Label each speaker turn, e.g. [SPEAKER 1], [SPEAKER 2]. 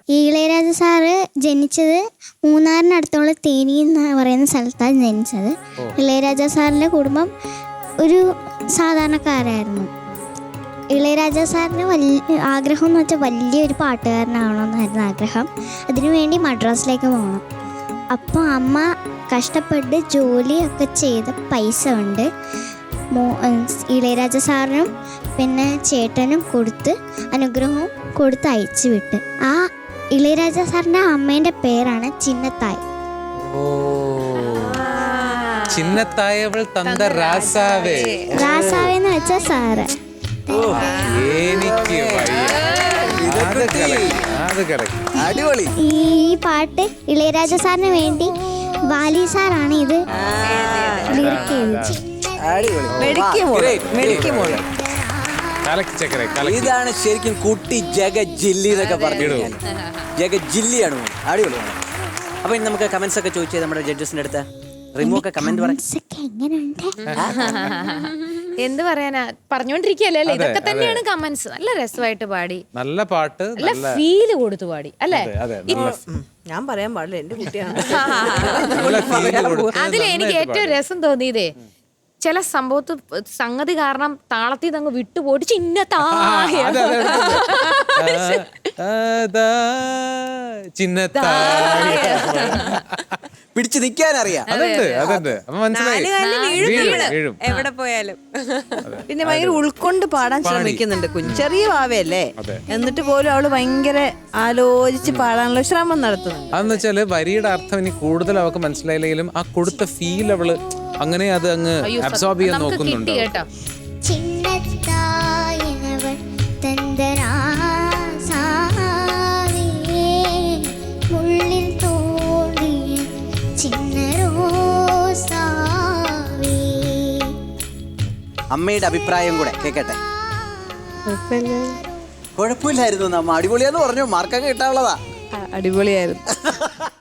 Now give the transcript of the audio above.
[SPEAKER 1] ഈ ഇളയരാജ സാറ് ജനിച്ചത് മൂന്നാറിനടുത്തുള്ള തേനി എന്ന് പറയുന്ന സ്ഥലത്താണ് ജനിച്ചത്. ഇളയരാജ സാറിൻ്റെ കുടുംബം ഒരു സാധാരണക്കാരായിരുന്നു. ഇളയരാജ സാറിന് വലിയ ആഗ്രഹം എന്ന് വെച്ചാൽ വലിയൊരു പാട്ടുകാരനാവണമെന്നായിരുന്നു ആഗ്രഹം. അതിനുവേണ്ടി മദ്രാസിലേക്ക് പോകണം. അപ്പോൾ അമ്മ കഷ്ടപ്പെട്ട് ജോലിയൊക്കെ ചെയ്ത് പൈസ കൊണ്ട് ഇളയരാജ സാറിനും പിന്നെ ചേട്ടനും കൊടുത്ത് അനുഗ്രഹവും കൊടുത്ത് അയച്ചു വിട്ട്. ആ ഇളയരാജ സാറിൻ്റെ അമ്മേൻ്റെ പേരാണ് ചിന്നത്തായ്.
[SPEAKER 2] ചിന്നത്തായവൾ തന്ത രാസാവേ.
[SPEAKER 1] രാസാവേന്ന് വെച്ച സാറ്.
[SPEAKER 2] എനിക്ക്
[SPEAKER 3] അടിപൊളി.
[SPEAKER 1] ഈ പാട്ട് ഇളയരാജ സാറിന് വേണ്ടി വാലി സാറാണ് ഇത് ലിറിക് എഴുതിയത്.
[SPEAKER 3] ഇതാണ് ശരിക്കും കുട്ടി ജഗജില്ലി എന്നൊക്കെ പറഞ്ഞു. ജഗജില്ലിയാണ്. അടിപൊളിയാണ്. അപ്പൊ ഇനി നമുക്ക് കമന്റ്സ് ഒക്കെ ചോദിച്ചത് നമ്മുടെ ജഡ്ജസിന്റെ അടുത്ത്. റിമൂവൊക്കെ കമന്റ് പറയാം.
[SPEAKER 4] എന്ത് പറയാനാ, പറഞ്ഞോണ്ടിരിക്കല്ലേ അല്ലേ? ഇതൊക്കെ തന്നെയാണ് കമന്റ്സ്. നല്ല രസമായിട്ട് പാടി,
[SPEAKER 2] നല്ല പാട്ട്,
[SPEAKER 4] നല്ല ഫീല് കൊടുത്തു പാടി അല്ലേ?
[SPEAKER 5] ഞാൻ പറയാൻ പാടില്ല, എന്റെ കുട്ടിയാണ്.
[SPEAKER 4] അതിൽ എനിക്ക് ഏറ്റവും രസം തോന്നിയതേ ചില സംഗതി കാരണം താളത്തിൽ അങ്ങ് വിട്ടുപോയിട്ട് ചിന്നത്തായ
[SPEAKER 3] പിടിച്ചു നിൽക്കാൻ അറിയാം.
[SPEAKER 5] എവിടെ പോയാലും പിന്നെ ഭയങ്കര ഉൾക്കൊണ്ട് പാടാൻ ശ്രമിക്കുന്നുണ്ട്. ചെറിയ ഭാവയല്ലേ, എന്നിട്ട് പോലും അവള് ഭയങ്കര ആലോചിച്ച് പാടാനുള്ള ശ്രമം നടത്തുന്നുണ്ട്.
[SPEAKER 2] അതെന്ന് വെച്ചാല് വരിയുടെ അർത്ഥം ഇനി കൂടുതൽ അവർക്ക് മനസ്സിലായില്ലെങ്കിലും ആ കൊടുത്ത ഫീൽ അവള് അങ്ങനെ അത് അങ്ങ് അബ്സോർബ് ചെയ്യാൻ നോക്കുന്നുണ്ട്.
[SPEAKER 3] അമ്മയുടെ അഭിപ്രായം കൂടെ കേക്കട്ടെ. കുഴപ്പമില്ലായിരുന്നു. നമ്മ അടിപൊളിയാന്ന് പറഞ്ഞു. മാർക്കൊക്കെ കിട്ടാനുള്ളതാ.
[SPEAKER 5] അടിപൊളിയായിരുന്നു.